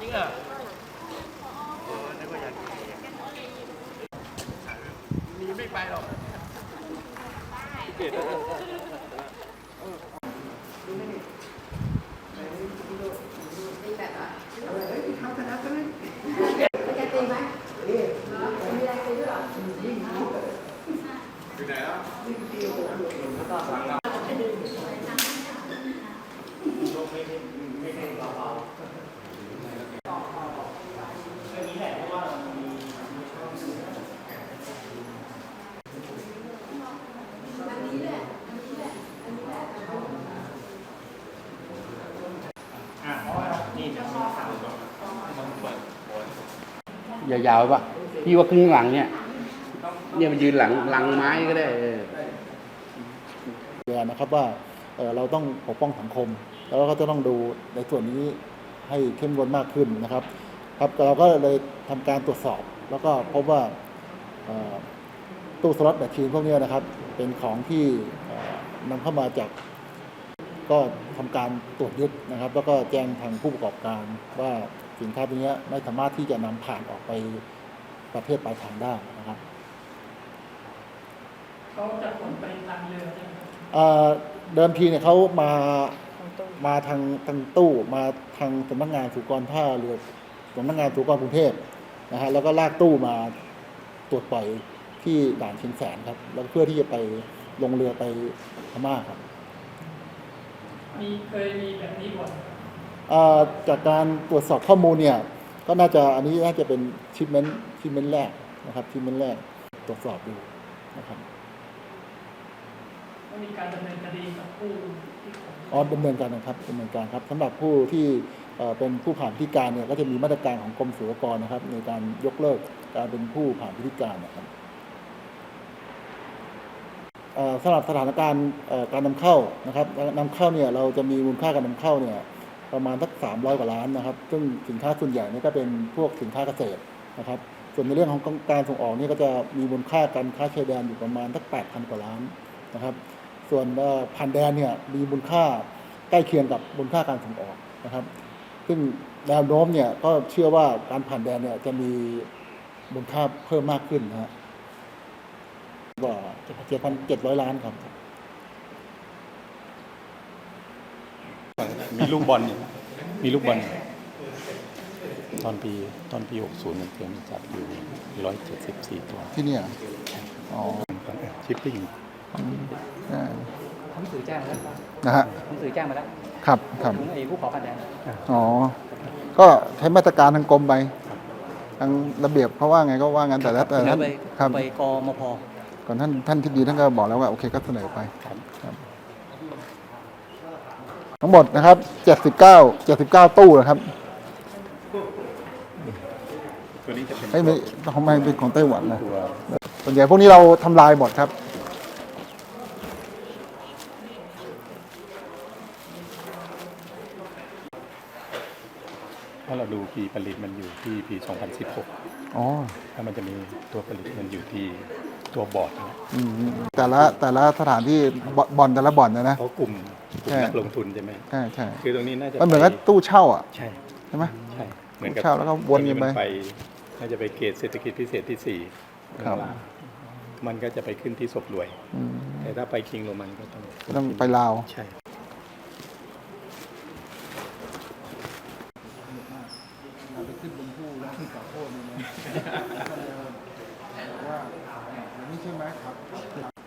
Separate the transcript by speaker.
Speaker 1: งอ่ะนึกว่าอยากมีไม่ไปหรอกเกต
Speaker 2: ตีแบบอ่ะทำชนะก็ไม่จะตีไหมมีอะไรตีด้วยหรอ
Speaker 1: อยู่ไหนแล้ว
Speaker 3: ยาวๆป่ะพี่ว่าครึ่งหลังเนี่ยมันยืนหลังไม้ก็ได้
Speaker 4: นะครับว่าเราต้องปกป้องสังคมแล้วก็จะต้องดูในส่วนนี้ให้เข้มงวดมากขึ้นนะครับเราก็เลยทำการตรวจสอบแล้วก็พบว่าตู้สล็อตแมชชีนพวกนี้นะครับเป็นของที่นำเข้ามาจากก็ทำการตรวจยึดนะครับแล้วก็แจ้งทางผู้ประกอบการว่าสินค้าตัวนี้ไม่สามารถที่จะนำผ่านออกไปประเทศปลายทางได้นะครับ
Speaker 5: เขาจะขนไปทางเรือใช่ไหม
Speaker 4: เดิมทีเนี่ยเขามาทางตู้มาทางสำนักงานศุลกากรท่าเรือสำนักงานศุลกากรกรุงเทพนะฮะแล้วก็ลากตู้มาตรวจปล่อยที่ด่านเชียงแสนครับแล้วเพื่อที่จะไปลงเรือไปพม่าครับ
Speaker 5: เคยมีแบบนี้บ่อย
Speaker 4: จากการตรวจสอบข้อมูลเนี่ยก็อันนี้น่าจะเป็นชิปเมนต์แรกนะครับชิปเมนต์แรกตรวจสอบดูนะครับ
Speaker 5: มีการดำเนินคดีกับผู้ที่
Speaker 4: ดำเนินการครับสำหรับผู้ที่เป็นผู้ผ่านพิธีการเนี่ยก็จะมีมาตรการของกรมศุลกากรนะครับในการยกเลิกการเป็นผู้ผ่านพิธีการนะครับสำหรับสถานการณ์การนำเข้านะครับนำเข้าเนี่ยเราจะมีมูลค่าการนำเข้าเนี่ยประมาณสัก300 กว่าล้านนะครับซึ่งสินค้าส่วนใหญ่นี่ก็เป็นพวกสินค้าเกษตรนะครับส่วนในเรื่องของการส่งออกนี่ก็จะมีมูลค่าการค้าชายแดนอยู่ประมาณสัก8,000 กว่าล้านนะครับส่วนผ่านแดนเนี่ยมีมูลค่าใกล้เคียงกับมูลค่าการส่งออกนะครับซึ่งแนวโน้มเนี่ยก็เชื่อว่าการผ่านแดนเนี่ยจะมีมูลค่าเพิ่มมากขึ้นนะฮะกว่า7,700 ล้านครับ
Speaker 6: มีลูกบอลตอนปี60มันเตรียมจับอยู่174 ตัว
Speaker 4: ที่เนี่ย
Speaker 6: ชิปปิ้ง
Speaker 2: หนังสือแจ้งมาแล้ว
Speaker 4: นะฮะ
Speaker 2: หนังสือแจ้งมาแล้ว
Speaker 4: ครับ
Speaker 2: ถึงไอ้ผู้ขอผ่านแดน
Speaker 4: ก็ใช้มาตรการทางกรมไปทางระเบียบเขาว่าไงก็ว่างั้นแต่แล้ว
Speaker 2: ไปกมพ.
Speaker 4: ก่อนท่านที่ดีท่านก็บอกแล้วว่าโอเคก็เสนอไปทั้งหมดนะครับ79ตู้นะครับ
Speaker 6: ตัวนี้จะเป็น
Speaker 4: ไม่ของมันเป็นของไต้หวันนะส่วนใหญ่พวกนี้เราทำลายหมดครับ
Speaker 6: ถ้าเราดูปีผลิตมันอยู่ที่ปี2016ถ้ามันจะมีตัวผลิตมันอยู่ที่ตัวบอร์ดนะ
Speaker 4: แต่ละสถานที่บ่อนแต่ละบ่อนนะ
Speaker 6: เพราะกลุ่มนักลงทุนใช่ไหม
Speaker 4: ใช่
Speaker 6: คือตรงนี้น่าจะ
Speaker 4: มันเหมือนกับตู้เช่าอ่ะ
Speaker 6: ใช่ไหมใช่เหมือนกับ
Speaker 4: เช่าแล้วก็วนกัน
Speaker 6: ไปน่าจะไปเกตเศรษฐกิจพิเศษที่4
Speaker 4: ครับ
Speaker 6: มันก็จะไปขึ้นที่ศพรวยแต่ถ้าไปคิงโรมันก็
Speaker 4: ต้องไปลาว
Speaker 6: ใช่
Speaker 4: ไปขึ้นบนผู้แล้วขึ้นต่อโทษนี่นะว่าอย่างนี้ใช่ไหมครับ